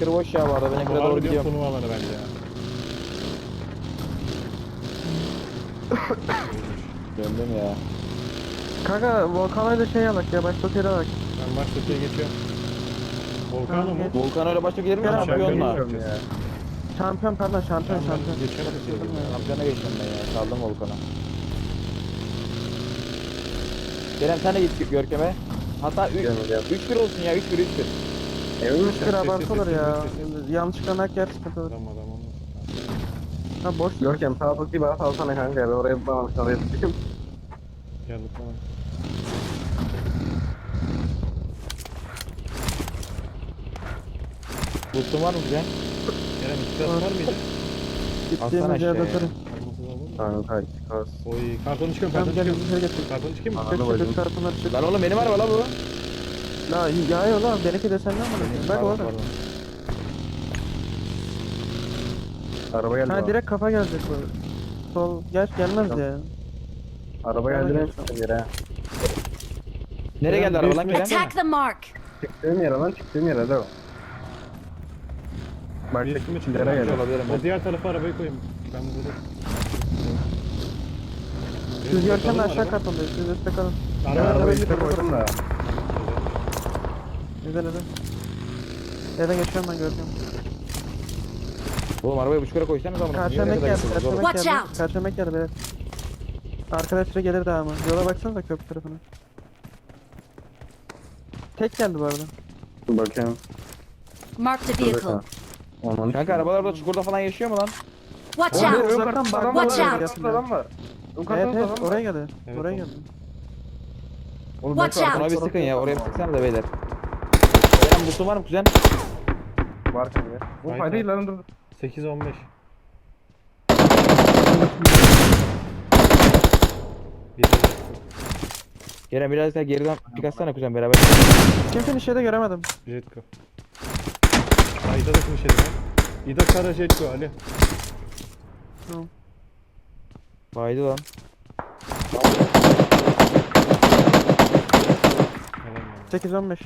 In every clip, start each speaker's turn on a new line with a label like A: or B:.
A: Çakır boş ya bu arada. Ben Emre'ye doğru
B: Harbi diyorum
A: gidiyorum.
B: turnuva alanı bence ya.
A: Döndüm ya.
C: Kanka Volkan'a şey alak ya, başka otele alak.
B: Ben maç öteye geçiyorum. Volkan'ı mı?
C: geç.
A: Volkan öyle başta gelir mi?
C: Gel abi,
A: Şampiyonla.
C: geliyorum ya. Şampiyon pardon, şampiyon.
B: Geçiyorum.
A: Şampiyona geçtim ben ya. Saldım Volkan'a. Kerem sen de git Görkem'e. Hatta 3-1 olsun ya. 3-1 3-1.
C: Emin misin?
B: Sessiz,
C: Abartı olur
B: sessiz,
C: ya.
B: sessiz.
C: Yanlışlıkla nak yer, sıkıntı olur.
B: Adam adam onu.
C: Ha boş.
D: Görkem sağ tık bir bana salsana kanka ya. Ben oraya bağlamış oraya tutayım.
B: Geldik bana.
A: Boost'un var mı güzel?
B: Kerem iki var mıydı?
A: Atsana
C: Gittiğimiz yerde
A: aşağıya.
C: atarım.
D: Kanka çıkmaz.
B: Oy kartonu çıkıyorum
C: Tamam
B: kartonu
C: gel,
B: çıkıyorum.
C: bir şey getir.
B: Kartonu çıkayım mı?
D: Anladım.
C: Çık
D: bacım.
C: çık kartınları çık.
A: Lan oğlum benim araba la bu.
C: La yağıyor lan, benimki de senden mi? Bak
A: Pardon,
C: oğlum.
A: pardon.
D: Araba geldi.
C: Ha
D: bana.
C: direkt kafa gelecek bu. Sol gelmez ya.
D: Araba geldi lan şu yere.
A: Nereye geldi araba lan Kerem?
E: Attack the mark!
D: Çıktığım yere lan çıktığım yere de o. Bak
B: Bir üstüme çıkıyor.
D: yere geldi.
A: Olabilirim ben.
B: O diğer tarafa arabayı koyayım. Ben burada.
C: Siz Görkem'le aşağı katındayız. Siz üstte kalın.
B: Araba
D: Arabayı
C: bir
D: işte
C: tarafa
D: koydum da.
C: Güzel hadi. Nereden geçiyorum ben Görkem.
A: Oğlum arabayı buçuk lira koysanız ama.
C: Karşılamak geldi. Karşılamak
E: Watch
C: geldi.
E: out.
C: Karşılamak geldi evet. Arkadaşları gelir daha ama. Yola baksanıza köprü tarafına. Tek geldi bu arada.
D: Bakayım.
E: Marked a vehicle.
D: Aman.
A: Kanka arabalar da çukurda falan yaşıyor mu lan?
E: Watch
C: Oğlum,
E: out!
C: uzaktan bak.
E: Watch
C: Watch
E: out.
C: out.
D: Adam var.
C: Evet evet oraya geldi.
B: Evet,
C: Oraya
B: oğlum.
C: geldi.
D: Oğlum
E: Watch
D: bak,
E: out.
A: Ona bir sıkın ya. Oraya bir sıksana da beyler. Kerem boost'un var mı kuzen?
D: Var kanka. Bu
B: Hayır,
D: fayda değil lan dur.
B: 8-15. Bir de
A: Kerem biraz daha geriden pik atsana kuzen beraber.
C: Kim finish'e de göremedim.
B: Jetco. Ha İda da kim şey mi? İda Kara Jetco Ali.
C: Tamam.
A: Baydı lan.
B: Helal yani.
C: 8-15.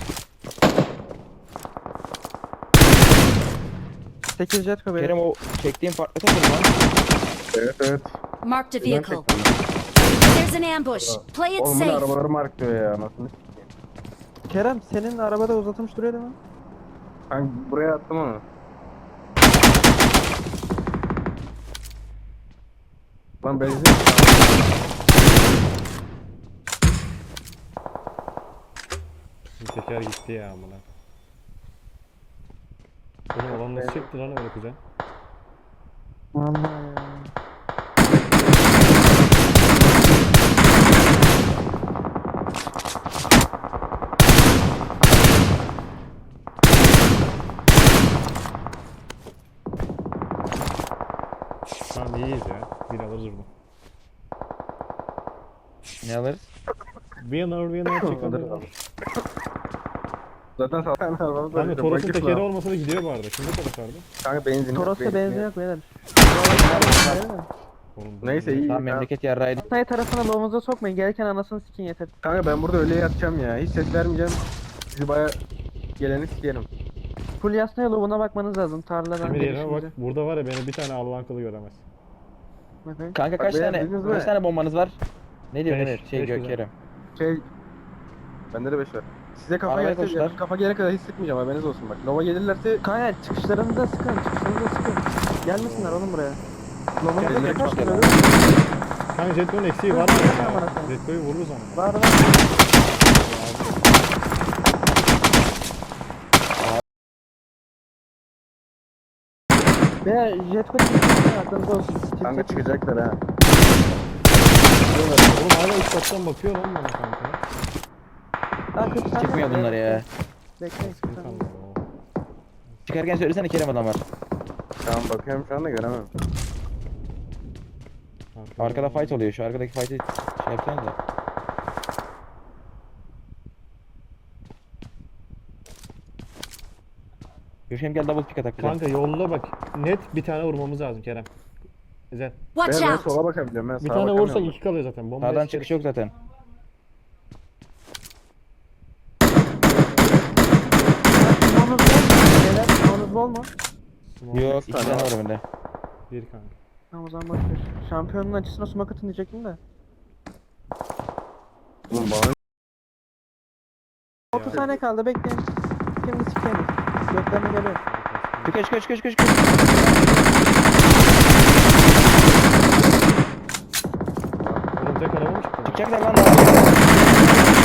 C: 8 jet kobe.
A: Kerem o çektiğin farklı takım lan.
D: Evet evet.
E: Marked a vehicle. There's an ambush. Play it
D: Oğlum bu ne
E: safe.
D: arabaları mark diyor ya. Nasıl?
C: Kerem senin arabada uzatılmış duruyor değil mi?
D: Kanka buraya attım onu. Lan benzin.
B: Bizim teker gitti ya amına. Oğlum olan nasıl çekti lan öyle kuzen?
C: Vallahi ya.
B: Tamam iyiyiz ya. Bir alırız bunu.
A: Ne alırız?
B: Winner çıkalım.
D: Zaten zaten arabamız
B: Kanka Toros'un tekeri olmasa da gidiyor bu arada. Kimde Toros vardı?
D: Kanka benzin.
C: Toros'ta benzin yok beyler.
B: Oğlum,
D: Neyse iyi.
A: Tamam memleket yarrağıydı.
C: Hatay tarafına loğumuza sokmayın. Gelirken anasını sikin yeter.
D: Kanka ben burada öyle yatacağım ya. Hiç ses vermeyeceğim. Sizi baya geleni sikerim.
C: Full yasnaya loğuna bakmanız lazım. Tarladan
B: Emir yerine bak.
C: gelişince.
B: Burada var ya beni bir tane Allah'ın kılı göremez.
C: Bakayım.
A: Kanka
D: Bak
A: kaç
D: beyler,
A: tane
D: duydunuz mu?
A: kaç tane bombanız var? Ne diyor
B: Beş,
A: Emir? Şey
B: beş güzel.
A: Kerem.
D: Şey... Bende de 5 var. Size kafa
A: Arabaya
D: gelse,
A: koşlar.
D: kafa gelene kadar hiç sıkmayacağım haberiniz olsun bak. Nova gelirlerse
C: Kanka çıkışlarınıza sıkın. Çıkışlarınıza sıkın. Gelmesinler oğlum buraya. Loğumuza
A: Gelin,
C: kaçar
A: gelin.
C: mı?
B: Kanka Jetco'nun eksiği var mı ya? Jetco'yu vururuz ama.
C: Var var. Veya jet kodu aklınızda olsun.
D: kanka çıkacaklar ha.
B: Oğlum hala üst kattan bakıyor lan bana kanka.
A: Çıkmıyor bunlar ya.
C: Bekleyin.
B: Sıkıntı
C: tamam.
B: kalmadı o.
A: Çıkarken söylesene Kerem adam var.
D: Tamam bakıyorum şu anda göremem.
A: Arkada fight oluyor. Şu arkadaki fight'i şey yapsanız da. Görüşelim gel double pick atak bize.
B: Kanka yolda bak. Net bir tane vurmamız lazım Kerem. Güzel.
E: Watch
D: Ben
E: out!
D: sola bakabiliyorum ben
B: Bir
D: sağa
B: tane vursak
D: bakamıyorum.
B: 2 kalıyor zaten. Bomba
A: Sağdan çıkış yok zaten.
C: Loğumuz var mı? Beyler, bol mu?
B: Smoke
A: Yok 2 tane var bende.
B: bir kanka.
C: Tamam o zaman boş ver. Şampiyonun açısına smoke atın diyecektim de.
D: Oğlum bana
C: 30 saniye kaldı bekleyin. Şimdi sikeyim. Göklerine geliyor.
A: Çık.
B: Oğlum tek araba mı çıktı?
A: Çıkacaklar lan daha.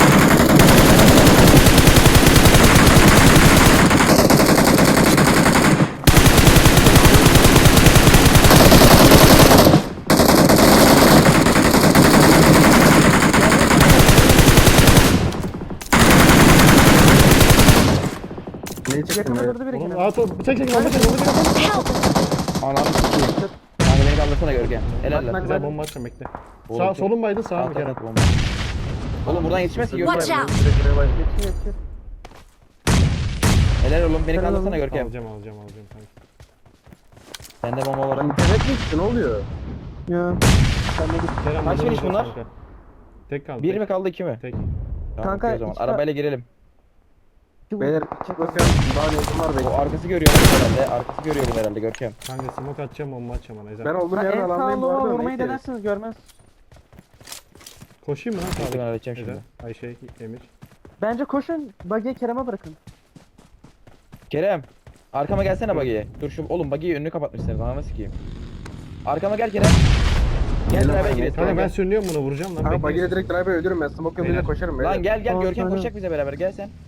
D: neyi çektim
C: Yakını
D: ya?
C: durdu biri
B: Oğlum
C: yine.
B: aa top çek bomba çek.
E: Help!
A: Ananı sikeyim. Kanka beni kaldırsana Görkem. Helal lan.
B: Güzel bomba atacağım bekle.
A: Oğlum,
B: Sağ
A: çok-
B: solun baydı sağ mı
A: At
B: Kerem?
A: at bomba. Oğlum buradan yetişmez ki
E: Watch
A: Görkem.
E: out!
C: Yetişir yetişir.
A: Helal oğlum beni
C: Helal
A: kaldırsana
C: oğlum.
A: Görkem.
B: Alacağım kanka.
A: Bende bomba var.
D: Lan internet mi gitti ne oluyor?
C: Ya. Sen de git.
B: Kerem
A: Kaç
B: bunları
A: finish
B: vuracağız
A: bunlar?
B: kanka. Tek kaldı.
A: Bir
B: tek.
A: mi kaldı 2 mi?
B: Tek.
A: Tamam,
C: Kanka,
A: okey o zaman.
C: iki-
A: Arabayla girelim.
D: Beyler çık bakalım. Daha ne var
A: O
D: bekle.
A: arkası görüyor bunu herhalde. Arkası görüyor bunu herhalde Görkem.
B: Kanka smoke atacağım bomba atacağım ona.
D: Ben
B: Ezel.
D: olduğum
C: Ha,
D: yerden
C: en
D: alandayım bu
C: sağ
D: arada.
C: vurmayı
D: neyse.
C: denersiniz görmez.
B: Koşayım mı lan
A: Bekle ben
B: sağlık?
A: halledeceğim
B: Ezel.
A: şimdi.
B: Ayşe, Emir.
C: Bence koşun. Buggy'yi Kerem'e bırakın.
A: Kerem. Arkama gelsene bagiye. Dur şu oğlum bagiyi önünü kapatmışsınız. Ananı sikeyim. Arkama gel Kerem. Gel
D: Gel
A: beraber
D: lan,
A: girelim.
B: Kanka ben
A: Gel.
B: sürünüyorum bunu vuracağım lan.
D: Kanka
B: bekleyin
D: bagiyle
B: siz.
D: direkt drive'e öldürürüm ben. Smoke yoluyla
B: Beyler.
D: koşarım beyler.
A: Lan gel
C: Tamam,
A: Görkem
C: tamam.
A: koşacak bize beraber gel sen.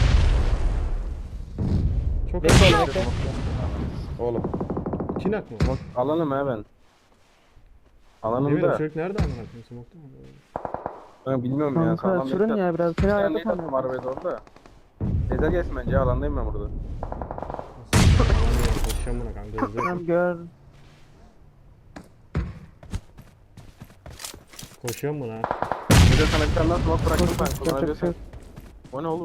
B: Çok
A: Bekle
B: az.
A: oğlum bekle. Oğlum.
B: Kinak mı?
D: Alanım ha ben.
B: Emir o
D: Alanımda.
B: çocuk nerede amına koyayım smoke'ta mı?
D: Ben bilmiyorum ya.
C: Kanka
D: Sağlam
C: sürün
D: bekle.
C: ya biraz. Seni
D: Bir tane
C: hayatta
D: nade attım
C: sanıyorum.
D: arabaya doğru da. Ezel gelsin bence ya, alandayım ben burada.
B: Koşacağım buna kanka hızlı.
C: Tamam gör.
B: Koşuyorum buna.
D: Ezel sana bir tane daha smoke bıraktım ben.
C: Yapacak bir şey
D: Kullanabiliyorsun.
C: yok.
D: O ne oğlum?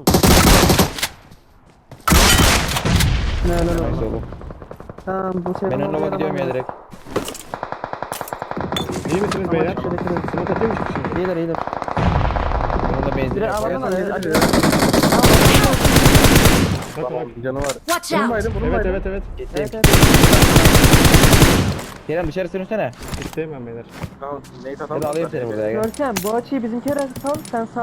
C: Ne helal
A: Neyse
C: olsun.
A: oğlum.
C: Tamam bu şey.
A: Ben önüne gidiyorum ya direkt.
B: İyi misiniz
C: Ama
B: beyler?
C: teşekkür ederim.
B: Smoke atayım mı şimdi?
C: İyiler iyiler.
A: Onun da benzin
C: Direkt
A: yok.
C: alalım
D: Ezel
C: hadi.
D: gelir
C: Hadi.
D: ya.
B: Bak bak.
D: Tamam, canı var.
E: Watch out!
D: Bununlaydım
B: Evet
D: bununlaydım.
B: evet evet.
A: Geçeyim.
C: Evet evet.
A: Kerem dışarı sürünsene.
B: Bitteyim ben beyler.
D: Tamam neyse
A: Hadi
D: tamam.
A: alayım seni buraya gel.
C: Görkem bu açıyı bizimkilere sal sen sağ ol.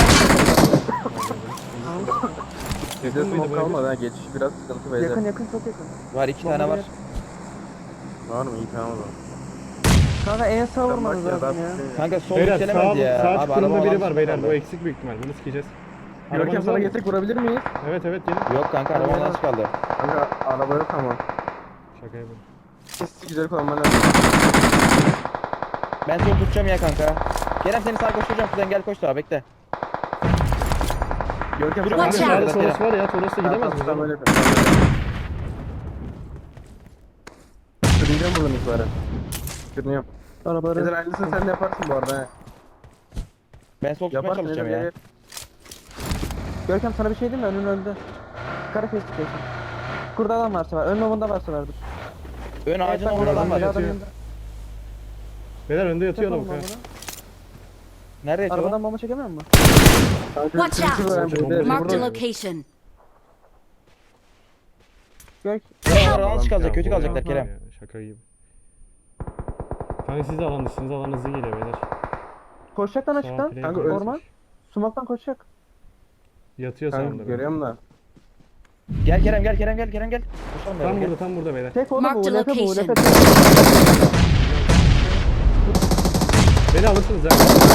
D: Ezel
B: Yakın mıydı
D: smoke
B: bu
D: kalmadı ha, geçiş biraz sıkıntı beyler.
C: Yakın yakın çok yakın.
A: Var 2 tane var.
D: Var mı? İyi tamam o zaman.
C: Kanka en sağ
D: Sen
C: vurmanız
D: bak ya,
C: lazım
D: daha
C: ya.
D: bir şey-
A: Kanka sol
B: Beyler
A: yükselemez ya.
B: sağ
A: Abi araba
B: çukurunda biri var
A: alan
B: beyler.
A: çıkaldı.
B: Bu eksik büyük ihtimal. Bunu sikeceğiz.
D: Görkem
B: Arabanız
D: sana
B: var mı?
D: gelsek vurabilir miyiz?
B: Evet evet gelin.
A: Yok kanka arabadan çıkaldı.
D: Kanka araba yok ama.
B: Şaka yapıyorum.
D: Sesi güzel kullanman lazım.
A: Ben seni tutacağım ya kanka. Kerem seni sağ koşturacağım. Kuzen gel koş sağa bekle.
D: Görkem
A: Dur,
D: sana
E: Watch
B: Kanka
E: out.
B: sağda Toros var ya. Toros'ta gidemez miyiz?
D: Tamam
B: oğlum?
D: öyle yapalım. Sürüneceğim buradan itibaren. Sürünüyorum.
C: Arabaları.
D: Ezel aynısını sen de yaparsın bu arada he.
A: Ben sol tutmaya
D: Yaparsın
A: çalışacağım
D: Ezel
A: ya.
D: ya.
C: Görkem sana bir şey diyeyim mi? Önün öldü. Kara face tutuyorsun. Kurda adam varsa var. Ön lobunda varsa vardır.
A: Ön ağacın
C: bak,
A: orada adam var.
C: adam
B: yatıyor.
C: yanında.
B: Beyler önde yatıyor
C: Yapalım
B: lavuk ha.
C: bombanı.
A: Nerede yatıyor lan?
C: Arabadan bomba çekemiyor musun?
E: Watch out! Marked a
B: Burada.
E: location.
C: Gök.
A: Kerem oradan kalacak.
B: Ya
A: Kötü
B: bu
A: kalacaklar
B: ya,
A: Kerem.
B: ya, Şaka gibi. Kanka siz de alan dışınız. Alan hızlı geliyor beyler.
C: Koşacak lan
B: Sağ
C: açıktan.
B: play
D: Kanka,
B: koymuş.
C: orman. Sumaktan koşacak.
B: Yatıyor
D: Kanka
B: sağında.
D: görüyorum da.
A: Gel Kerem gel Kerem gel Kerem gel. Koşalım
B: Tam
A: beraber,
B: burada tam burada beyler.
C: Tek oğlum bu.
E: Marked
C: Ulefe bu.
E: location.
C: Ulefe.
B: Beni alırsınız ya.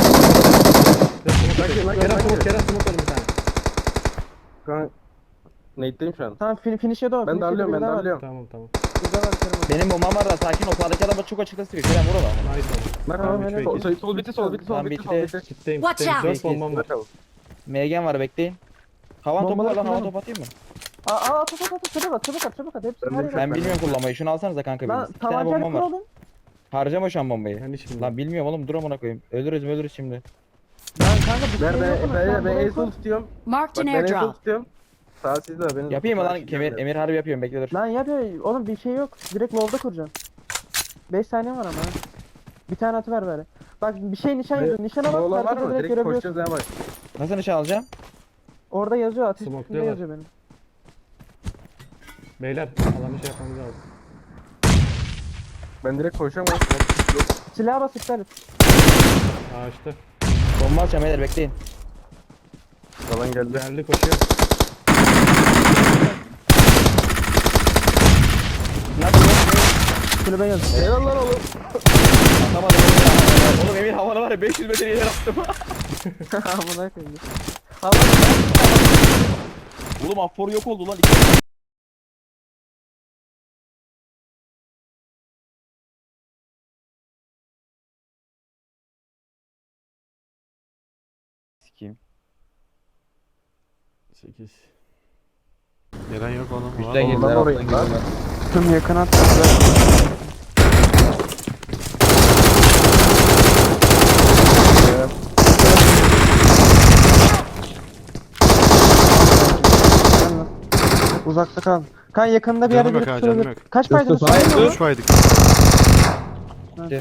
B: Kerem smoke Kerem smoke alın bir tane.
D: Kanka. Nate'deyim şu an.
C: Tamam finish'e doğru.
D: Ben darlıyorum ben darlıyorum.
B: Tamam tamam.
C: Güzel var Kerem.
A: Benim bombam var da sakin ol. Sağdaki adam çok açıkta sıkıyor. Kerem vur ona.
B: Nice oldu.
D: Bak
C: Tamam,
D: abi.
C: helal.
D: Sol bitti sol bitti sol
A: Tamam,
D: bitti
A: bitti.
D: sol bitti.
B: Kitleyim
E: Watch
B: kitleyim.
E: out.
B: 4 bombam var.
A: MG'm var bekleyin. Havan topu
C: Bombaları
A: var lan havan
C: kullanın.
A: topu atayım mı?
C: Aa çabuk at. Hepsi
D: Ben
C: her
D: de
C: yer.
A: Ben bilmiyorum kullanmayı. Şunu alsanıza kanka
C: Lan
A: biriniz. 2 tane
C: tabancayla
A: bombam var.
C: kuralım.
A: Harcama şu an bombayı.
B: Ben hiç
A: Lan bilmiyorum oğlum dur amına koyayım. Ölürüz şimdi.
C: Lan kanka bir
D: Ver
C: şey yok mu?
D: ben
C: Sen
D: ben
C: burayı
D: en sol
C: kur.
D: tutuyorum.
E: Marked
D: Bak
E: an
D: ben en sol
E: airdrop.
D: tutuyorum. Sağ sizde benim.
A: Yapayım mı
D: sağ
A: lan
D: sizde.
A: Emir harbi yapıyorum bekle dur.
C: Lan yap ya. Oğlum bir şey yok. Direkt low'da kuracağım. 5 saniye var ama. ha. Bir tane atıver böyle. Bak bir şey nişan yazıyor. Nişana
D: Bu
C: bak.
D: olan var
C: haritada
D: mı?
C: direkt
D: Direkt
C: görebiliyorsun.
D: koşacağız ha bak.
A: Nasıl nişan alacağım?
C: Orada yazıyor. Ateş
B: Smoke
C: üstünde
B: diyorlar.
C: yazıyor benim.
B: Beyler alanı şey yapmamız lazım.
D: Ben direkt koşacağım ama.
C: Silaha bas iptal et.
B: Ağaçta.
A: Bomba atacağım beyler bekleyin.
D: Falan geldi.
B: Geldi koşuyor.
A: Ne yapıyorsun?
C: Kulübe geldi.
D: Helal lan oğlum.
A: Atamadım Emir. Oğlum Emir havana var ya 500 metre ileri attım.
C: Amına koyayım.
A: Oğlum affor yok oldu lan. Sikeyim.
B: 8. Gelen yok oğlum.
A: Üstten
D: Oğlum,
A: girdiler
D: ben orayı
A: alttan
D: lan.
A: girdiler.
C: Tüm yakın attı. Uzakta kal. Kan yakında bir yerde
B: Canım
C: biri
B: yok ha, canım
C: tutulabilir.
B: yok.
C: Kaç paydın?
D: Sus,
C: Sayın mı?
B: 3 paydık.
C: Tamam.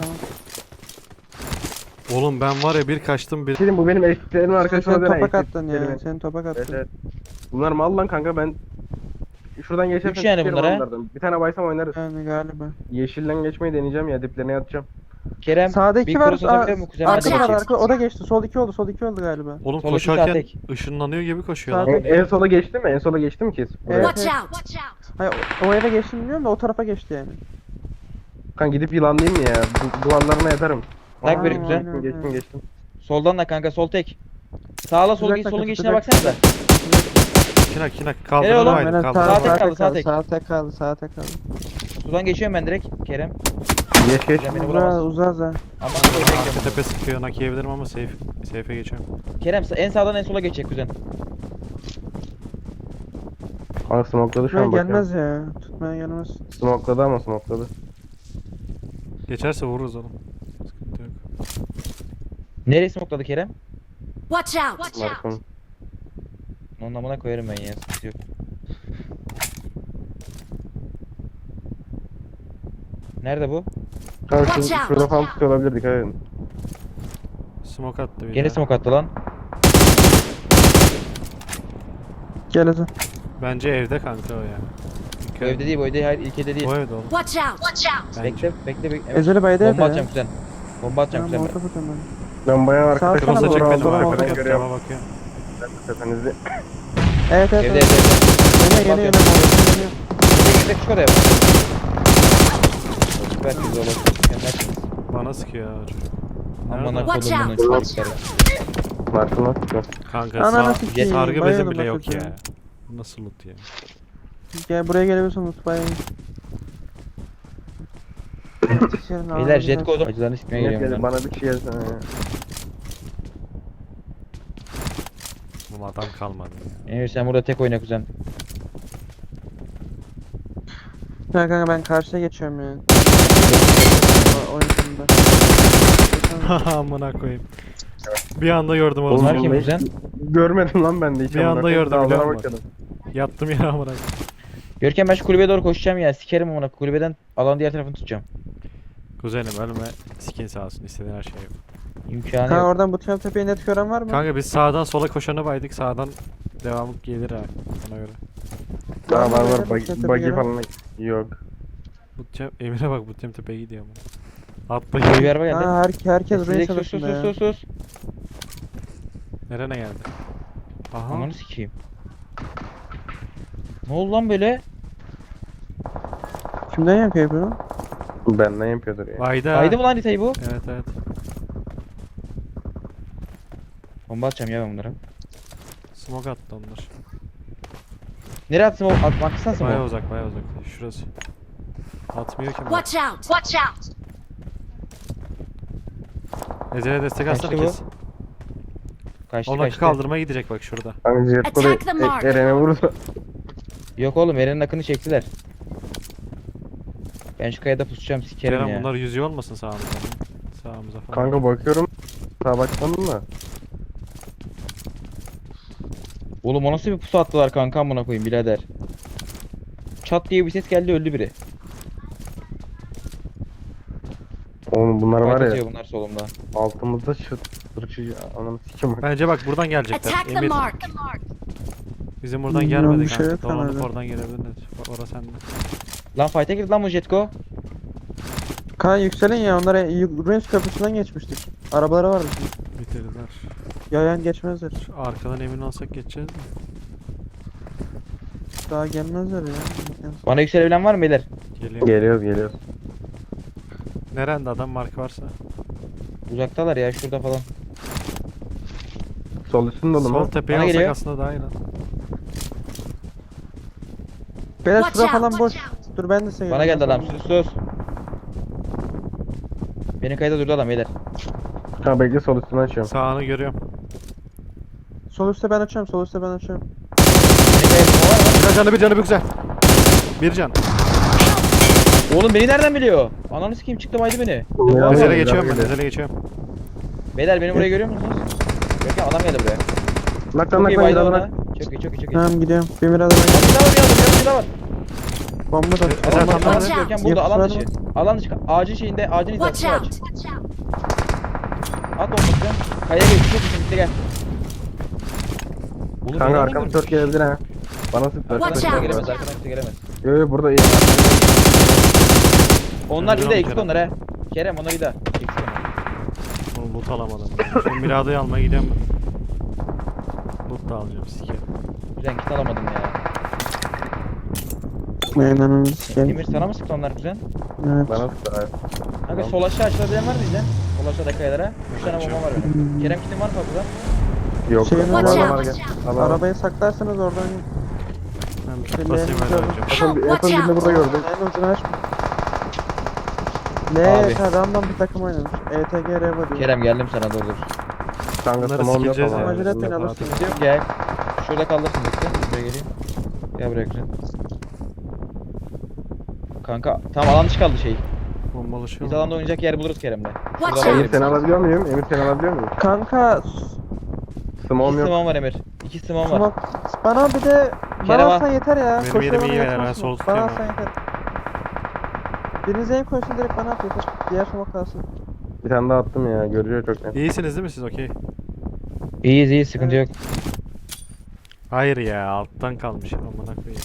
B: Oğlum ben var ya bir kaçtım bir.
D: Dedim bu benim eskitlerimin arkadaşına
C: Sen
D: dönen
C: topak attın ya.
D: eskitlerimin.
C: Sen topak
D: Evet
C: attın.
D: evet. Bunlar mal lan kanka ben. Şuradan geçersem
A: Üç yani
D: sikerim
A: bunlar ha?
D: onlardan. Bir tane baysam oynarız.
C: Yani galiba.
D: Yeşilden geçmeyi deneyeceğim ya diplerine yatacağım.
A: Kerem
C: Sağda iki
A: bir
C: var.
A: cross atabiliyor mu kuzen?
C: Arka
A: Hadi
C: var
A: bakayım.
C: arka. O da geçti. Sol 2 oldu. Sol 2 oldu galiba.
B: Oğlum
A: Sol iki sağ
B: koşarken
A: tek.
B: ışınlanıyor gibi koşuyor
C: Sağ
B: lan.
C: tek.
D: En sola geçti mi? En sola geçti mi ki?
C: Evet.
E: Watch out! Watch out!
C: Hayır o eve geçti bilmiyorum da o tarafa geçti yani.
D: Kan gidip yılanlayayım mı ya? Duvarlarına yatarım.
A: Tak
D: Aa,
A: biri güzel.
D: Geçtim.
A: Soldan da kanka sol tek. Sağla sol
C: Güzel
A: solun
C: takım,
A: geçişine
C: güzel.
A: baksanıza.
B: Kinak
A: Helal
B: kaldırma
A: oğlum.
B: haydi
C: Aynen,
B: kaldırma.
A: Sağ tek
C: sağ
A: kaldı,
C: tek
A: sağ
C: kaldı.
A: tek.
C: Sağ tek kaldı. Sağ tek kaldı.
A: Sudan geçiyorum ben direkt Kerem.
D: Geç geç.
A: Kerem beni
C: Uzar
A: vuramaz.
C: uzar da.
A: Ama
B: Arka tepe sıkıyor nakleyebilirim ama safe'e geçiyorum.
A: Kerem en sağdan en sola geçecek kuzen.
D: Aa smokladı şu
C: Tutmaya
D: an bakıyorum.
C: gelmez ya. Tutmaya gelmez.
D: Smokladı ama smokladı.
B: Geçerse vururuz oğlum. Sıkıntı yok.
A: Nereye smokladı Kerem?
E: Watch out! Watch out!
D: Markım.
A: Onun amına koyarım ben ya. Sıkıntı yok. Nerede bu?
D: Kanka
E: Watch out,
D: şurada falan
E: watch
D: tutuyor olabilir dikkat edin.
B: Smoke attı bir
A: Gene
B: daha.
A: smoke attı lan.
C: Gel hadi.
B: Bence evde kanka o ya.
A: Bu evde değil bu evde hayır ilk evde değil.
B: O evde oğlum.
E: Watch out! Watch out!
B: Bence.
A: Bekle. Evet.
C: Ezeli bayda evde
A: Bomba
C: ya.
A: atacağım kuzen. Bomba atacağım
C: Tamam
A: kuzen.
C: orta tutuyorum ben.
D: Ben bayağı arkada
C: Sağ
B: Kırmızı
C: sana
B: çek
C: doğru
B: beni
C: aldım,
B: var.
C: aldım.
B: Arkadan
D: görüyorum.
B: cama bakıyor.
D: Tepenizi.
C: Evet evet.
A: Evde
C: evet.
A: evde.
C: Yine yine
A: Bomba
C: yine.
A: atıyorum.
C: Yine.
A: Girdik şu odaya. Süper güzel olur. Mükemmelsiniz.
B: Bana sıkıyor ya çocuk.
A: Amına
E: Watch
A: kodumunun
E: out.
A: çocukları.
D: Markım tutuyor.
B: Kanka
C: Ananı
B: sağ
C: sikeyim,
B: sargı bezim
C: bayıldım
B: bile yok
C: hakikaten.
B: ya. Nasıl loot ya?
C: Gel buraya gelebilirsin mutfağa.
A: Beyler jet kodu. Acılarını sikmeye
D: Gel
A: geliyorum
D: gel
A: ben.
D: bana bir şey yazsana ya.
B: Bu adam kalmadı ya.
A: Emir sen burada tek oyna kuzen.
C: Ya kanka ben karşıya geçiyorum ya. Oyun sonunda.
B: Amına koyayım. Bir anda gördüm oğlum.
A: Bunlar
D: Oğlum,
A: kim
D: ben-
A: kuzen?
D: Görmedim lan ben de hiç.
B: Bir
D: amına
B: anda
D: koyayım.
B: gördüm,
D: Dağlara
B: biliyor musun?
D: bakıyordum.
B: Yattım yere amına koyayım.
A: Görkem ben şu kulübeye doğru koşacağım ya. Sikerim amına kulübeden alan diğer tarafını tutacağım.
B: Kuzenim ölme skin sağ olsun istediğin her şey yok.
A: İmkanı
C: Kanka
A: yok.
C: oradan bu tepeye net gören var mı?
B: Kanka biz sağdan sola koşanı baydık sağdan devamı gelir ha ona göre.
D: Daha var
C: Var
D: var
C: mı?
D: buggy falan yok.
B: Butcam Emir'e bak Butcam tepeye gidiyor ama. Atla
A: Bir
B: gidiyor.
A: araba geldi.
C: Ha herkes buraya
A: Sus sus
C: çalışında ya.
A: sus sus.
B: Nerene geldi? Aha.
A: Ananı sikeyim. Ne oldu lan böyle?
C: Kimden yapıyor bunu?
D: Benden yapıyordur ya.
B: Vayda.
A: Kaydı mı lan haritayı bu?
B: Evet evet.
A: Bomba atacağım ya ben bunlara.
B: Smoke attı onlar.
A: Nereye attım o? Baksana
B: Baya
A: smoke.
B: uzak baya uzak. Şurası. Atmıyor ki.
E: Watch out! Watch out!
B: Ezel'e destek atsana
A: Kaçtı bu?
B: kes.
A: Kaçtı
B: Onu
A: kaçtı.
B: kaldırmaya gidecek bak şurada.
D: Hani jet kodu
E: Attack the mark.
D: Eren'e vurursa.
A: Yok oğlum Eren'in akını çektiler. Ben şu kayada pusacağım sikerim
B: Kerem
A: ya.
B: bunlar yüzüyor olmasın sağımıza. Sağımıza falan.
D: Kanka bakıyorum. Sağa bakmadım da.
A: Oğlum o nasıl bir pusu attılar kanka amına koyayım birader. Çat diye bir ses geldi öldü biri.
D: Oğlum bunlar var
A: Fight
D: ya.
A: atıyor bunlar solumda.
D: Altımızda çıt. Sırçıcı. Ananı sikim bak.
B: Bence bak buradan gelecekler.
E: Attack the
B: Emir.
E: mark!
B: Bizim buradan
C: Bilmiyorum,
B: gelmedi
C: bir şey
B: kanka.
C: yok
B: Dolanıp
C: herhalde.
B: oradan gelebilirler. Orası sende.
A: Lan fight'e girdi lan bu Jetko.
C: Kaan yükselin ya, onlara Ruins köprüsünden geçmiştik. Arabaları vardı şimdi.
B: Bitirdiler.
C: Yayan geçmezler.
B: Şu arkadan emin olsak geçeceğiz mi?
C: Daha gelmezler ya.
A: Bana yükselebilen var mı beyler?
B: Geliyor.
D: Geliyoruz.
B: Nerede adam marka varsa.
A: Uzaktalar ya şurada falan.
D: Sol üstün dolu
B: Sol
D: mu?
B: tepeye
A: Bana
B: alsak
A: geliyor.
B: aslında daha iyi lan.
C: Beyler
E: Watch
C: şura
E: out,
C: falan boş.
E: watch out.
C: Dur ben de size
A: Bana geldi
C: geleceğim.
A: adam sus. Benim kayda durdu adam beyler.
D: Ha bekle sol üstünü açıyorum.
B: Sağını görüyorum.
C: Sol üstte ben açıyorum, sol üstte ben açıyorum.
A: Benim kayda durma var mı?
B: Bir canı bir güzel. Bir can.
A: Oğlum beni nereden biliyor? Ananı sikeyim çıktı baydı beni.
D: Biraz
B: Ezele
D: geliyor,
B: geçiyorum ben.
D: geliyor.
B: Ezele geçiyorum.
A: Beyler beni buraya görüyor musunuz? Yok ya adam geldi buraya.
D: Naktan
A: Çok iyi
D: naktan
A: baydı
D: geliyor
A: ona.
D: bak.
A: Çok iyi çok iyi çok iyi.
C: Tamam gidiyorum. Bir biraz
A: Bir daha var bir daha var.
C: bomba da.
B: Ezel
A: Alan
B: tam
A: dışı
B: nerede?
A: Görkem burada alan
C: Yapısı
A: dışı.
C: var
A: Alan dışı. Ağacın şeyinde ağacın
E: Watch
A: hizasını
E: out.
A: aç. At bombası. Kayaya geç. Çok iyi bitti gel. Oğlum
D: Kanka
A: nereden
D: arkamı
A: gördün?
D: dört gelebilir ha. Bana sık.
A: Arkadan
E: Watch
A: kimse
E: out.
A: gelemez. Arkadan kimse gelemez.
D: Yo burada iyi.
A: Onlar bir de
B: Kerem.
A: eksik onlar he. Kerem onlar bir daha. Eksik onlar.
B: Oğlum loot alamadım. Şu Mirada'yı almaya gidiyorum ben. Loot da alacağım sikerim.
A: Kuzen kit alamadım ya.
C: Aynen sikeyim.
A: Emir sana mı sıktı onlar kuzen?
C: Evet.
D: Bana sık. Ha.
A: Kanka sol aşağı açılabilen var mı bizden? Sol aşağıda kayalara. 3 tane bomba var benim. Kerem kitin var mı fazla?
D: Yok.
C: Şeyimiz
E: Watch
C: var.
E: out.
D: Gel. Al, al.
C: Arabayı saklarsanız oradan
B: Ben bir
C: Şimdi
B: tut basayım öyle
C: gördüm.
B: alacağım.
D: En son en son birini burada gördüm.
C: en ucunu aç.
A: Abi.
C: Random bir takım oynamış. ETG Reva diyor.
A: Kerem geldim sana dur dur.
D: Kanka
B: Bunları
D: tamam yok
B: sikeceğiz
D: ama.
B: ya.
C: Acele etmeyin, alırsınız.
A: Gidiyorum gel. Şurada kalırsın bekle. Buraya geleyim. Gel buraya kuzen. Kanka tam alan dışı kaldı şey.
B: Bombalı şey
A: Biz
B: oldu.
A: alanda oynayacak yer buluruz Kerem'le.
E: Watch
A: Şurada
D: Emir
E: out.
D: seni alabiliyor muyum? Emir seni alabiliyor muyum?
C: Kanka
D: Smom
A: İki
D: yok.
A: simon var Emir. İki simon var.
C: smoke. Bana bir de
A: Kerem
C: bana
A: al.
C: alsan yeter ya.
B: Benim
C: Koşuya
B: yerim
C: bana
B: iyi
C: yetmez
B: yani, ben
C: smoke.
B: sol
C: Bana
B: tutuyorum
C: alsan yeter. Biriniz aim koysun direkt bana at yeter. Diğer smoke kalsın.
D: Bir tane daha attım ya. Görüyor çok net.
B: İyisiniz değil mi siz? Okey.
A: İyiyiz iyiyiz sıkıntı yok.
B: Hayır ya alttan kalmış. Amına koyayım.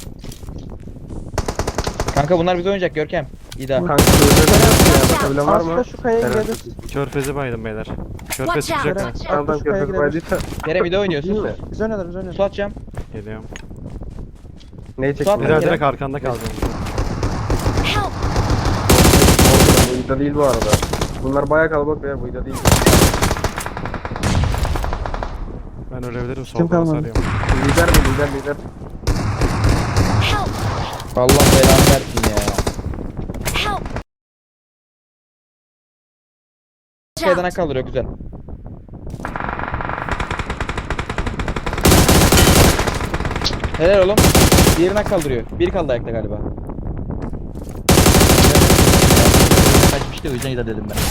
A: Kanka bunlar bize oynayacak Görkem. İda.
D: Kanka şöyle ya. Bakabilen var mı?
C: Aslında şu kayaya
D: Helal.
C: girebiliriz.
B: Körfezi baydım beyler. Körfez
E: Watch out.
B: çıkacak mı?
C: Kerem,
D: Tamam
C: şu kayaya
D: köpek
C: girebiliriz.
D: baydıysa.
A: Kerem İda
D: Değil
A: oynuyorsun.
D: mi?
C: Biz oynarız biz oynarız.
A: Su atacağım.
B: Geliyorum.
D: Neyi
A: Suat
D: çektin?
A: Kerem.
B: Beyler direkt arkanda kalacağım.
E: Help.
D: Bu ida değil bu arada. Bunlar bayağı kalabalık ya. Bu ida değil.
B: Ben ölebilirim
C: Kim
B: soldan
C: kalmadı?
B: sarıyorum.
D: Lider mi? Lider.
E: Help.
A: Allah belanı versin ya.
E: Help.
A: Kayadan kaldırıyor güzel. Helal oğlum. Diğerine kaldırıyor. Bir kaldı ayakta galiba. Kaçmıştı o yüzden İda dedim ben.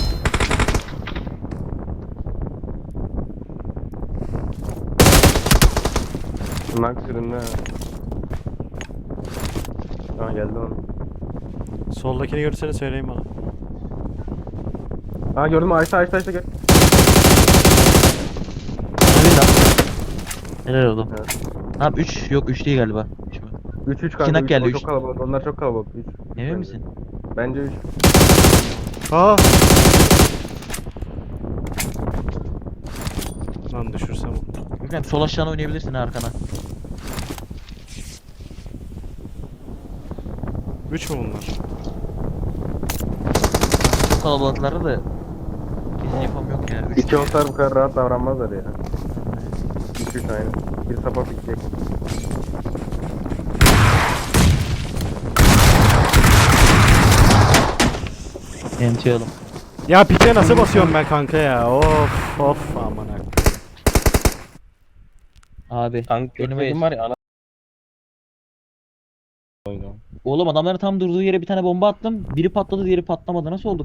D: Bunlar sürünme. Ha geldi onu.
B: Soldakini görürseniz söyleyin bana.
D: Ha gördün mü? Ayşe gel.
A: Helal oğlum.
D: Evet.
A: Tamam 3 yok 3 değil galiba.
D: 3 kanka.
A: Kinak
D: üç.
A: geldi,
D: O
A: üç.
D: çok kalabalık. Onlar çok kalabalık. 3.
A: Emin misin?
D: Bence 3.
B: Aa! Lan düşürsem.
A: Görkem sol aşağına oynayabilirsin ha arkana.
B: 3 mü bunlar?
A: Çok kalabalıkları da kesin yapam yok ya.
D: 2 olsalar bu kadar rahat davranmazlar ya. 3 aynen. Bir sapa bitecek.
A: Yentiyalım.
B: Ya pike nasıl basıyorum ben kanka ya? Of amına.
A: Abi.
D: Kanka
A: Önüme
D: var ya ana.
A: Oğlum adamların tam durduğu yere bir tane bomba attım. Biri patladı diğeri patlamadı. Nasıl oldu?